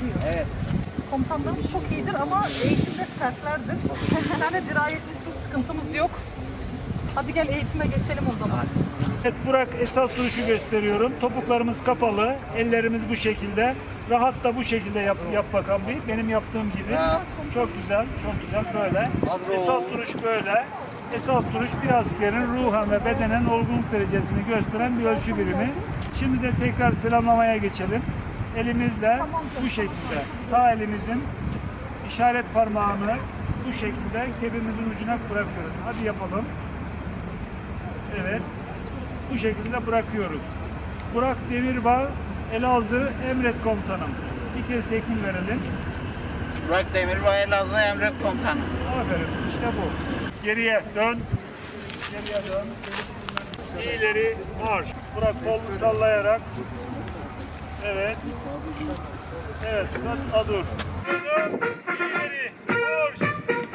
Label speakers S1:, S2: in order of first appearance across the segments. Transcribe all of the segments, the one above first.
S1: biliyor.
S2: Evet.
S1: Komutanlarımız çok iyidir ama eğitimde sertlerdir. Yani dirayetlisi sıkıntımız yok. Hadi gel eğitime geçelim o zaman.
S3: Evet, Burak esas duruşu gösteriyorum. Topuklarımız kapalı, ellerimiz bu şekilde. Rahat da bu şekilde yap bakalım bir. Benim yaptığım gibi. Çok güzel, çok güzel böyle. Esas duruş böyle. Esas duruş bir askerin ruhen ve bedenen olgunluk derecesini gösteren bir ölçü birimi. Şimdi de tekrar selamlamaya geçelim. Elimizle bu şekilde sağ elimizin işaret parmağını bu şekilde kebimizin ucuna bırakıyoruz. Hadi yapalım. Evet. Bu şekilde bırakıyoruz. Burak Demirbağ, Elazığ Emret Komutanım. Bir kez tekmil verelim.
S4: Burak Demirbağ, Elazığ Emret Komutanım.
S3: Aferin. İşte bu. Geriye dön. Geriye dön. İleri marş. Burak kolunu sallayarak. Evet. Evet. Dur. Dön. İleri marş.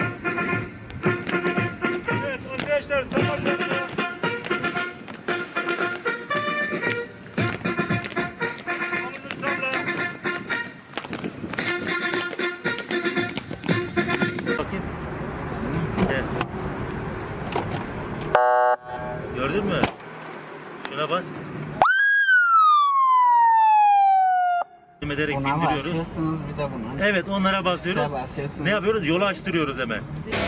S3: Evet arkadaşlar Samarkand'da
S5: Bakayım. Evet. Gördün mü? Şuna bas. Ederek
S4: Buna
S5: bindiriyoruz.
S4: basıyorsunuz bir de buna.
S5: Evet, onlara basıyoruz.
S4: Size basıyorsunuz.
S5: Ne yapıyoruz? Yolu açtırıyoruz hemen.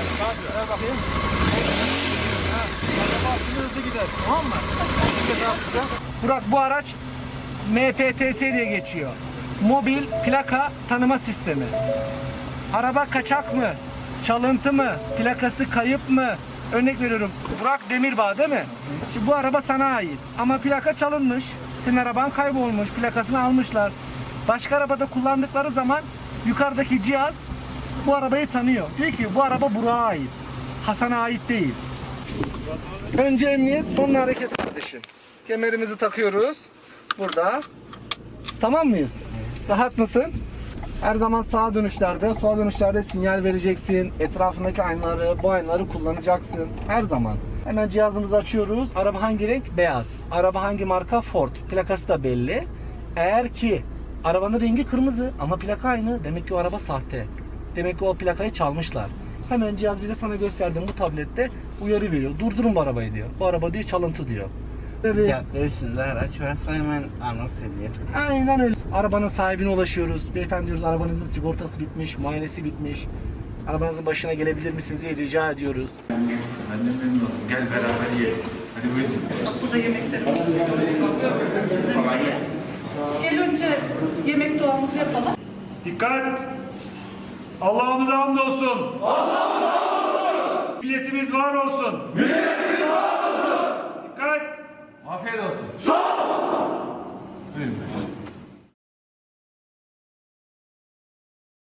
S2: Burak, bu araç MPTS diye geçiyor. Mobil plaka tanıma sistemi. Araba kaçak mı? Çalıntı mı? Plakası kayıp mı? Örnek veriyorum. Burak Demirbağ değil mi? Şimdi bu araba sana ait. Ama plaka çalınmış. Senin araban kaybolmuş. Plakasını almışlar. Başka arabada kullandıkları zaman yukarıdaki cihaz bu arabayı tanıyor. Diyor ki bu araba Burak'a ait. Hasan'a ait değil. Önce emniyet, sonra hareket kardeşim. Kemerimizi takıyoruz. Burada. Tamam mıyız? Rahat mısın? Her zaman sağa dönüşlerde, sola dönüşlerde sinyal vereceksin. Etrafındaki aynaları, bu aynaları kullanacaksın. Her zaman. Hemen cihazımızı açıyoruz. Araba hangi renk? Beyaz. Araba hangi marka? Ford. Plakası da belli. Eğer ki arabanın rengi kırmızı ama plaka aynı, demek ki o araba sahte. Demek ki o plakayı çalmışlar. Hemen cihaz bize sana gösterdiğim bu tablette uyarı veriyor. Durdurun bu arabayı diyor. Bu araba diyor çalıntı diyor.
S4: Cadde üstünde araç varsa hemen anons ediyorsun.
S2: Aynen öyle. Arabanın sahibine ulaşıyoruz. Beyefendi diyoruz, arabanızın sigortası bitmiş, muayenesi bitmiş. Arabanızın başına gelebilir misiniz diye rica ediyoruz.
S5: Gel beraber yiyelim. Hadi buyurun.
S1: Burada yemeklerimiz. Gel önce yemek duamızı yapalım.
S3: dikkat! Allah'ımıza hamdolsun. Allah'ımıza hamdolsun. Milletimiz var olsun. Milletimiz var olsun. Dikkat!
S6: Afiyet olsun.
S3: Sağ ol.